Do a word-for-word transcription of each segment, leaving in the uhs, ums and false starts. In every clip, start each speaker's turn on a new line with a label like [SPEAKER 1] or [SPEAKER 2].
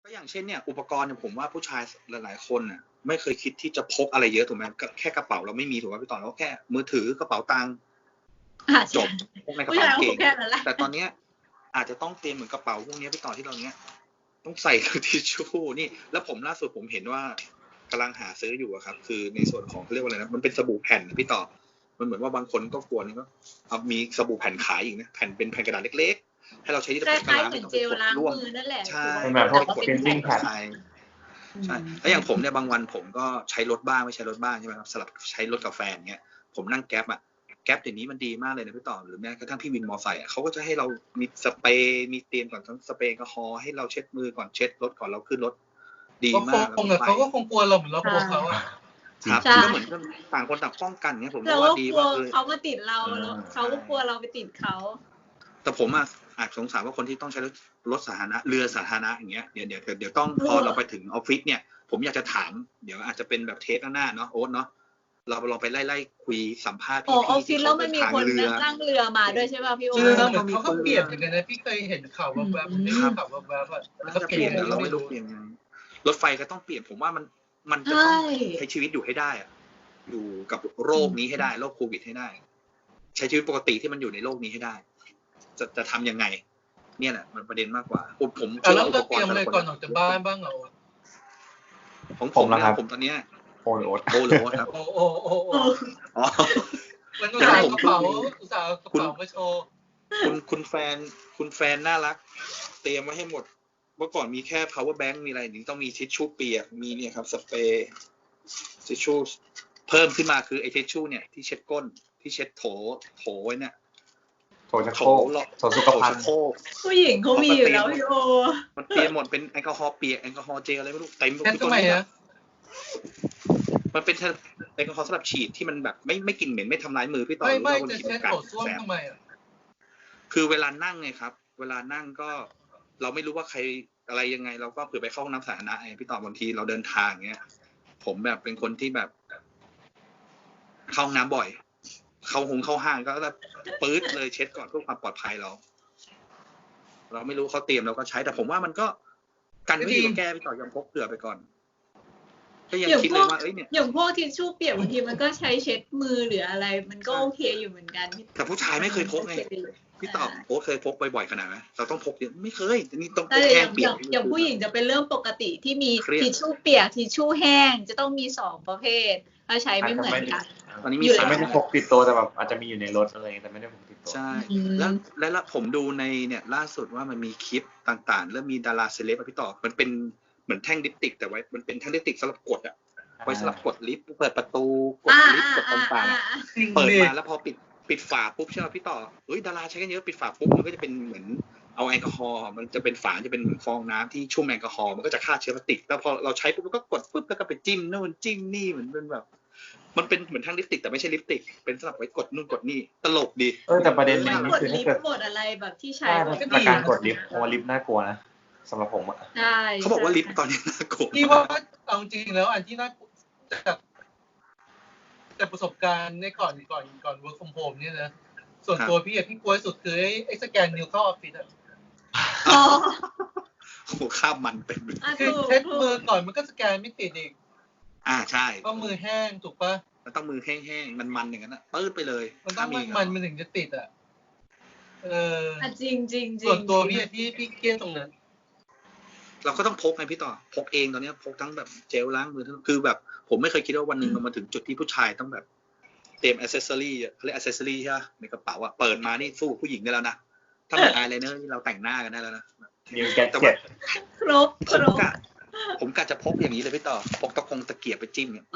[SPEAKER 1] ก็อย่างเช่นเนี่ยอุปกรณ์เนี่ยผมว่าผู้ชายหลายๆคนน่ะไม่เคยคิดที่จะพกอะไรเยอะถูกไหมแค่กระเป๋าเราไม่มีถูกไหมพี่ต่อเราแค่มือถือกระเป๋าตังค์จบพกในกระเป๋าเก่งแต่ตอนเนี้ยอาจจะต้องเตรียมเหมือนกระเป๋าพวกนี้พี่ต่อที่เราเนี้ยต้องใส่ทิชชู่นี่แล้วผมล่าสุดผมเห็นว่ากำลังหาซื้ออยู่อะครับคือในส่วนของเขาเรียกว่าอะไรนะมันเป็นสบู่แผ่นพี่ต่อมันเหมือนว่าบางคนก็กลัวนี่ก็เอามีสบู่แผ่นขายอีกนะแผ่นเป็นแผ่นกระดาษเล็กๆให้เราใช้ที่จะล้างไม่ต้องไปกดร่วงใช่
[SPEAKER 2] แบบพวกเคนซิ่งแผ่น
[SPEAKER 1] ใช่แล้วอย่างผมเนี่ยบางวันผมก็ใช้รถบ้างไม่ใช้รถบ้างใช่ไหมครับสลับใช้รถกับแฟนเงี้ยผมนั่งแก๊ปอ่ะแก๊ปเดี๋ยวนี้มันดีมากเลยนะพี่ต่อหรือแม้กระทั่งพี่วินมอไซค์เขาก็จะให้เรามีสเปรย์มีเตรียมก่อนทั้งสเปรย์แอลกอฮอล์ให้เราเช็ดมือก่อนเช็ดรถก่อนเราขึ้นรถดีมาก
[SPEAKER 3] เขาก็คงกลัวเราเหมือนเรากลัวเขาอ่ะ
[SPEAKER 1] ครับก็เหมือนต่างคนต่างป้องกันเงี้ยผมว่าดีว่า
[SPEAKER 4] เขามาติดเราเขาก็กลัวเราไปติดเขา
[SPEAKER 1] แต่ผมอ่ะอาจสงสารว่าคนที่ต้องใช้รถสาธารณะเรือสาธารณะอย่างเงี้ยเดี๋ยวเดี๋ยวเดี๋ยวต้องพอเราไปถึงออฟฟิศเนี่ยผมอยากจะถามเดี๋ยวอาจจะเป็นแบบเทปหน้าเนาะโอ๊ตเนาะเราลองไปไล่ๆคุยสัมภาษณ์พี่ๆ
[SPEAKER 4] ออฟฟิศแล้วมันมีคนนั่งเรือมาด้วยใช่ป่ะพี่โอ๊ต
[SPEAKER 3] เขาก็เปลี่ยนเหมือนกันนะพี่เคยเห็นข่าวแบบแบบนี้ข่าวแบบแบบ
[SPEAKER 1] ก็เปลี่ยนเราไม่รู้เปลี่ยนรถไฟก็ต้องเปลี่ยนผมว่ามันมันจะต้องใช้ชีวิตอยู่ให้ได้อะอยู่กับโรคนี้ให้ได้โรคโควิดให้ได้ใช้ชีวิตปกติที่มันอยู่ในโลกนี้ให้ได้จะจะทำยังไงเนี่ยแหละมันประเด็นมากกว่าผมผม
[SPEAKER 3] เชื่ออุปกรณ์อะไรก่อนออกจากบ้านบ้างเหรอ
[SPEAKER 1] ของผมนะครับผมตอนนี้
[SPEAKER 2] โอ้โห
[SPEAKER 1] โอ้โหครับ
[SPEAKER 3] โอ้โหโอ้โหอ๋อมันอุตส่าห์กระเป๋าอุตส่าห์กระเป๋ามาโชว์
[SPEAKER 1] คุณคุณแฟนคุณแฟนน่ารักเตรียมไว้ให้หมดเมื่อก่อนมีแค่ power bank มีอะไรนี่ต้องมีทิชชู่เปียกมีเนี่ยครับสเปรย์ทิชชู่เพิ่มขึ้นมาคือไอ้ทิชชู่เนี่ยที่เช็ดก้นที่เช็ดโถโถไว้เนี่ย
[SPEAKER 2] โถจะโคกโถสุขภัณฑ์
[SPEAKER 4] ผู้หญิงเขามีอยู่แล้วพี่โอ
[SPEAKER 1] มันเตรียมหมดเป็นแอลกอฮอล์เปียกแอลกอฮอล์เจลอะไรไม่รู้เต็ม
[SPEAKER 3] ทุกตัวเลย
[SPEAKER 1] มันเป็นแอลกอฮอล์สำหรับฉีดที่มันแบบไม่ไม่กลิ่นเหม็นไม่ทำร้ายมือพี่ต่อ
[SPEAKER 3] ไม่ไม่จะเช็ดโถส้วมทำไมอ่ะ
[SPEAKER 1] คือเวลานั่งไงครับเวลานั่งก็เราไม่รู้ว่าใครอะไรยังไงเราก็เผื่อไปเข้าห้องน้ำสาธารณะไงพี่ต่อบางทีเราเดินทางเงี้ยผมแบบเป็นคนที่แบบเข้าห้องน้ำบ่อยเข้าหงเข้าห้างก็แบบปื๊ดเลยเช็ดก่อนเพื่อความปลอดภัยเราเราไม่รู้เขาเตรียมเราก็ใช้แต่ผมว่ามันก็กันไม่ดีกว่าแก้พี่ต่อยอมพกเผื่อไปก่อนก็ยังคิดเลยว่าเอ้ยเนี่ย
[SPEAKER 4] อย่างพวกทิชชู่เปียกบางทีมันก็ใช้เช็ดมือหรืออะไรมันก็โอเคอยู่เหมือนกัน
[SPEAKER 1] แต่ผู้ชายไม่เคยพกไงพี่ตอบโอ้เคยพกบ่อยๆขนาดไหนเราต้องพกเยอะไม่เคยนี่ต้องพกแห้งเปียก
[SPEAKER 4] อย่างผู้หญิงจะเป็นเรื่องปกติที่มีทิชชู่เปียกทิชชู่แห้งจะต้องมีสองประเภทถ้าใช้ไม่เหมือนกัน
[SPEAKER 1] ตอนนี้มี
[SPEAKER 2] ไม่ได้พกติดตัวแต่แบบอาจจะมีอยู่ในรถอะไรแต่ไม่ได้พกติดตัว
[SPEAKER 1] ใช่แล้วแล้วผมดูในเนี่ยล่าสุดว่ามันมีคลิปต่างๆแล้วมีดาราเซเลบพี่ต่อมันเป็นเหมือนแท่งลิปสติกแต่ไว้มันเป็นแท่งลิปสติกสำหรับกดอ่ะไว้สำหรับกดลิฟต์เปิดประตูกดลิฟต์กดต่างๆเปิดมาแล้วพอปิดปิดฝาปุ๊บใช่ไหมพี่ต่อเฮ้ยดาราใช้กันเยอะปิดฝาปุ๊บมันก็จะเป็นเหมือนเอาแอลกอฮอล์มันจะเป็นฝาจะเป็นเหมือนฟองน้ำที่ชุ่มแอลกอฮอล์มันก็จะฆ่าเชื้อพลาสติกแล้วพอเราใช้ปุ๊บมันก็กดปุ๊บแล้วก็ไปจิ้มโน่นจิ้มนี่เหมือนเป็นแบบมันเป็นเหมือนทั้งลิปสติกแต่ไม่ใช่ลิปสติกเป็นสำหรับไว้กดนู่นกดนี่ตลกดี
[SPEAKER 2] เออแต่ประเด็นนี้
[SPEAKER 4] คือถ้าเกิดกดอะไรแบบที่ใช้
[SPEAKER 2] ในการกดลิฟต์โอ้ลิฟต์น่ากลัวนะสำหรับผมอ่ะ
[SPEAKER 4] ใช่
[SPEAKER 1] เขาบอกว่าลิฟต์ตอนนี้น่ากลัว
[SPEAKER 3] ที่ว่าเอาจริงแล้วอันที่น่ากลัวจากจากประสบการณ์ในก่อนก่อนก่อน work from home เนี่ยนะส่วนตัวพี่อะพี่กลัวสุดคือไอ้สแกนนิ้วเข้าออฟฟิศอะ
[SPEAKER 4] อ๋อ
[SPEAKER 1] โอ้ข้ามมันเป็น
[SPEAKER 3] คือเช็ดมือก่อนมันก็สแกนไม่ติดอีก
[SPEAKER 1] อ่าใช่
[SPEAKER 3] ก็มือแห้งถูกป่ะ
[SPEAKER 1] มันต้องมือแห้งๆมันๆอย่างนั้นน่ะปื้ดไปเลย
[SPEAKER 3] มันต้องมันมันถึงจะติดอ่ะเออ
[SPEAKER 4] จริงจริง
[SPEAKER 3] ส่วนตัวพี่พี่พี่เครียดตรงนั้น
[SPEAKER 1] เราก็ต้องพกไงพี่ต่อพกเองตอนนี้พกทั้งแบบเจลล้างมือคือแบบผมไม่เคยคิดว่าวันนึงมันมาถึงจุดที่ผู้ชายต้องแบบเตรียมอ c เซสซอรี่อ่ะเขาเรียกอ c เซสซอรี่ใช่ป่ะในกระเป๋าอ่ะเปิดมานี่สู้ผู้หญิงได้แล้วนะถ้าเป็นอายไลเนอร์นี่เราแต่งหน้ากันได้แล้วนะ
[SPEAKER 2] นิวแกะเก็ต
[SPEAKER 4] ครบครบ
[SPEAKER 1] ผมกะจะพกอย่างนี้เลยพี่ต่อพกตะคงตะเกียบไปจิ้มเนี่ย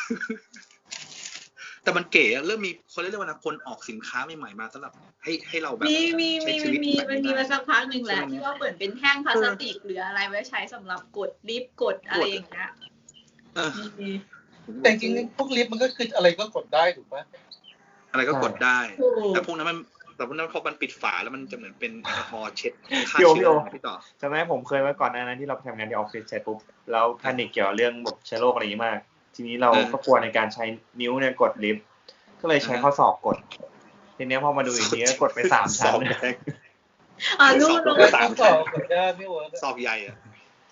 [SPEAKER 1] แต่มันเก๋เริ่มมีคนเรียกว่านะคนออกสินค้าใหม่ๆมาสำหรับให้ให้เราแบบ
[SPEAKER 4] มีมีมีมีมันมีมาสักพักหนึ่งแหละที่ว่าเหมือนเป็นแท่งพลาสติกหรืออะไรไว้ใช้สำหรับกดลิฟต์กดอะไรอย่างเงี้ย
[SPEAKER 3] แต่จริงพวกลิฟต์มันก็คืออะไรก็กดได้ถูกป่ะ
[SPEAKER 1] อะไรก็กดได้แต่พวกนั้นมันแต่พวกนั้นพอมันปิดฝาแล้วมันจะเหมือนเป็นแอลกอฮอล์เช็ดฆ่าเชื้อพี่ต่อ
[SPEAKER 2] ใช่ไหมผมเคยไว้ก่อนหน้านั้นที่เราทำงานที่ออฟฟิศเสร็จปุ๊บแล้วแพนิคเกี่ยวเรื่องแบบเชื้อโรคอะไรอย่างนี้มากทีนี้เราก็กลัวในการใช้นิ้วเนี่ยกดลิฟต์ก็เลยใช้ข้อศอกกดทีนี้พอมาดูอีกทีก็กดไปสามชั้น
[SPEAKER 4] อ่ารู้รู้
[SPEAKER 3] สามศอกกดได้ไม่เวิร์ค
[SPEAKER 1] ศอกใหญ่อ่ะ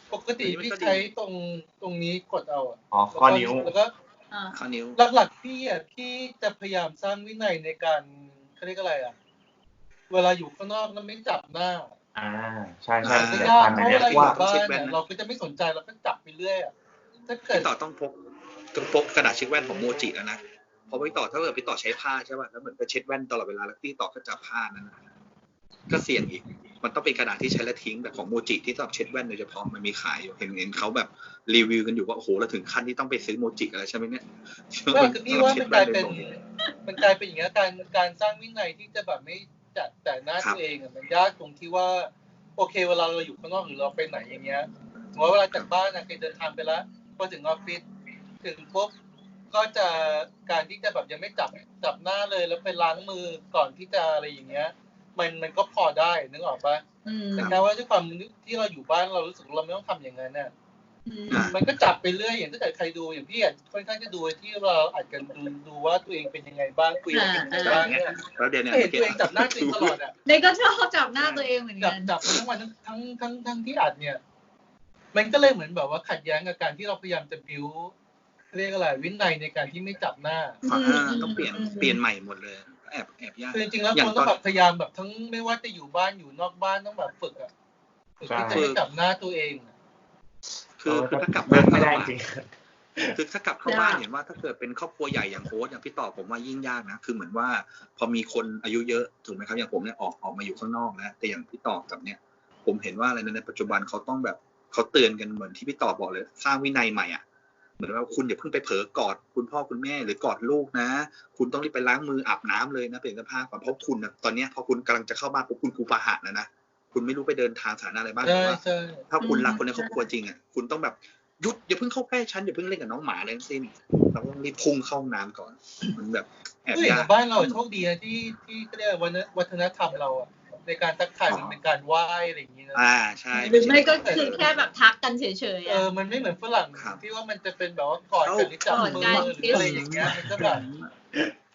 [SPEAKER 3] ปกติพี่ใช้ตรงตรงนี้กดเอาอ่ะ
[SPEAKER 2] อ๋อข้อนิ้ว
[SPEAKER 3] แล้วก็
[SPEAKER 4] อ่า
[SPEAKER 1] ข้อนิ้ว
[SPEAKER 3] หลักๆพี่อ่ะพี่จะพยายามสร้างวินัยในการเขาเรียกอะไรอ่ะเวลาอยู่ข้างนอกแล้วไม่จับหน้า
[SPEAKER 2] อ่าใช่ใช่
[SPEAKER 3] ไม่
[SPEAKER 2] เดี๋ยว
[SPEAKER 3] ยาก
[SPEAKER 2] ทำ
[SPEAKER 3] เพ
[SPEAKER 2] อัน
[SPEAKER 3] ราะ
[SPEAKER 2] เนี้
[SPEAKER 3] เวย ลาอยู่
[SPEAKER 2] ว่า
[SPEAKER 3] บ้านเนี่ยเราก็จะไม่สนใจเราก็จับไปเรื่อยอ่ะถ้าเกิด
[SPEAKER 1] พี่ต่อต้องพกต้องพกกระดาษเช็ดแว่นของโมจิแล้วนะเพราะพี่ต่อถ้าเกิดพี่ต่อใช้ผ้าใช่ป่ะแล้วเหมือนไปเช็ดแว่นตลอดเวลาแล้วพี่ต่อก็จับผ้านั้นนะก็เสี่ยงอีกมันต้องเป็นกระดาษที่ใช้แล้วทิ้งแบบของโมจิที่สำหรับเช็ดแว่นโดยเฉพาะมันมีขายอยู่เห็นเห็นเขาแบบรีวิวกันอยู่ว่าโอ้โหเราถึงขั้นที่ต้องไปซื้อโมจิอะไรใช่ไหมเนี่ย
[SPEAKER 3] ก็คือพี่ว่ามันกลายเป็นมันกลายเป็นอย่างเงี้ยการการสร้างวินัยที่จะแบบไม่จัดแต่หน้าตัวเองอ่ะมันยากตรงที่ว่าโอเคเวลาเราอยู่ข้างนอกหรือเราไปไหนอย่างเงี้ยสมมติว่าเวลาจากบ้านนะเคยเดินทางไปแล้วพอถึงออฟฟิศถึงปุ๊บก็จะการที่จะแบบยังไม่จับจับหน้าเลยแล้วไปล้างมือก่อนที่จะอะไรอย่างเงี้ยมันมันก็พอได้นึกออกปะแต่แค่ว่าด้วยความที่เราอยู่บ้านเรารู้สึกเราไม่ต้องทำอย่างนั้นน่ะมันก็จับไปเรื่อยอย่างถ้าเกิดใครดูอย่างพี่อ่ะค่อนข้างจะดูที่เราอาจจะดูดูว่าตัวเองเป็นยังไงบ้างคุยกับเป็นยังไงบ้างเนี่ย
[SPEAKER 1] แล้วเดี๋ยวเนี่ย
[SPEAKER 3] เห็นตัวเองจับหน้าตัวเองตลอดอ่ะ
[SPEAKER 4] เด็กก็ชอบจับหน้าตัวเองเหมือน
[SPEAKER 3] จั
[SPEAKER 4] กับ น
[SPEAKER 3] จับทั้งวันทั้งทั้งทั้งทั้งที่อัดเนี่ย มันก็เลยเหมือนแบบว่าขัดแย้งกับการที่เราพยายามจะบิ้วเรียกอะไรวินัยในการที่ไม่จับหน้า
[SPEAKER 1] ต้องเปลี่ยนเปลี่ยนใหม่หมดเลยแอบแอบยาก
[SPEAKER 3] คือจริงๆแล้วคนต้องแบบพยายามแบบทั้งไม่ว่าจะอยู่บ้านอยู่นอกบ้านต้องแบบฝึกอ่ะฝึกที่จะไม่จับหน้าตัวเอง
[SPEAKER 1] คือคือถ้ากลับ
[SPEAKER 2] เลิ
[SPEAKER 1] บ้าน
[SPEAKER 2] กไม่ได้จริง
[SPEAKER 1] คือถ้ากลับเข้าบ้านเห็นว่าถ้าเกิดเป็นครอบครัวใหญ่อย่างโค้ชอย่างพี่ต่อผมว่ายิ่งยากนะคือเหมือนว่าพอมีคนอายุเยอะถูกไหมครับอย่างผมเนี่ยออกออกมาอยู่ข้างนอกแล้วแต่อย่างพี่ต่อกับเนี่ยผมเห็นว่าอะไรในปัจจุบันเขาต้องแบบเขาเตือนกันเหมือนที่พี่ต่อบอกเลยสร้างวินัยใหม่อ่ะเหมือนว่าคุณอย่าเพิ่งไปเผลอกอดคุณพ่อคุณแม่หรือกอดลูกนะคุณต้องรีบไปล้างมืออาบน้ำเลยนะเปลี่ยนเสื้อผ้าก่อนเพราะคุณตอนนี้พอคุณกำลังจะเข้าบ้านปุ๊บคุณกูปาหะนะนะคุณไม่รู้ไปเดินทางสาธารณะอะไรบ้างหรือว่าถ้าคุณรักคนในครอบครัวจริงอ่ะคุณต้องแบบหยุดอย่าเพิ่งเข้าใกล้ฉันอย่าเพิ่งเล่นกับน้องหมาเลยทั้งสิ้นเราต้องรีบพุ่งเข้าน้ำก่อนมันแบบแอบยาก
[SPEAKER 3] บ้านเราโชคดีนะที่ที่เรียกว่าวัฒนธรรมเราอ่ะในการทักทายมันเป็นการไหว้อะไรอย่างเงี้ย
[SPEAKER 1] อ่าใช่
[SPEAKER 4] หรือไม่ก็คือแค่แบบทักกันเฉยๆ
[SPEAKER 3] เออมันไม่เหมือนฝรั่งที่ว่ามันจะเป็นแบบว่ากอดกันหรือจับมือหรืออะไรอย่างเงี้ยมันก็แบบ